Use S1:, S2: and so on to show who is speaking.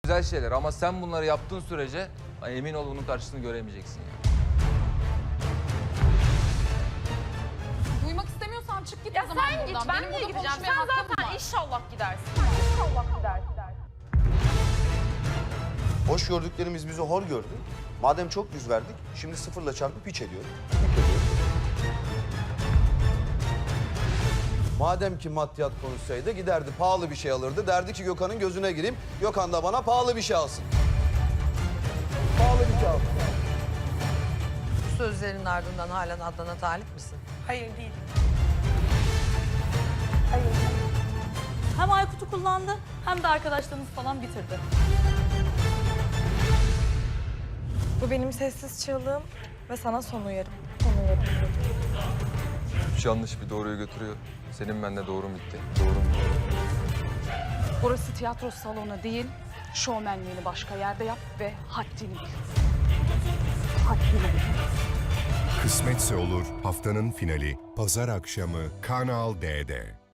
S1: Güzel şeyler ama sen bunları yaptığın sürece emin ol bunun karşılığını göremeyeceksin yani.
S2: Duymak istemiyorsan çık git
S3: Ya
S2: o zaman
S3: sen git,
S2: buradan.
S3: ben
S2: Benim
S3: niye
S2: burada
S3: gideceğim?
S2: konuşmaya
S3: Sen
S2: hakkım
S3: zaten
S2: var.
S3: inşallah gidersin. İnşallah gidersin.
S4: Hoş gördüklerimiz bizi hor gördü. Madem çok yüz verdik, şimdi sıfırla çarpıp hiç ediyorum. Madem ki maddiyat konuşsaydı giderdi pahalı bir şey alırdı. Derdi ki Gökhan'ın gözüne gireyim. Gökhan da bana pahalı bir şey alsın. Pahalı bir şey alsın.
S5: Bu sözlerin ardından halen Adnan'a talip misin?
S6: Hayır değil. Hem Aykut'u kullandı hem de arkadaşlarımız falan bitirdi.
S7: Bu benim sessiz çığlığım ve sana son uyarım.
S1: Üç yanlış bir doğruyu götürüyor. Senin bende doğrum bitti. Doğrum.
S2: Burası tiyatro salonu değil. Şovmenliğini başka yerde yap ve haddini bil. Haddini bil.
S8: Kısmetse Olur haftanın finali Pazar akşamı Kanal D'de.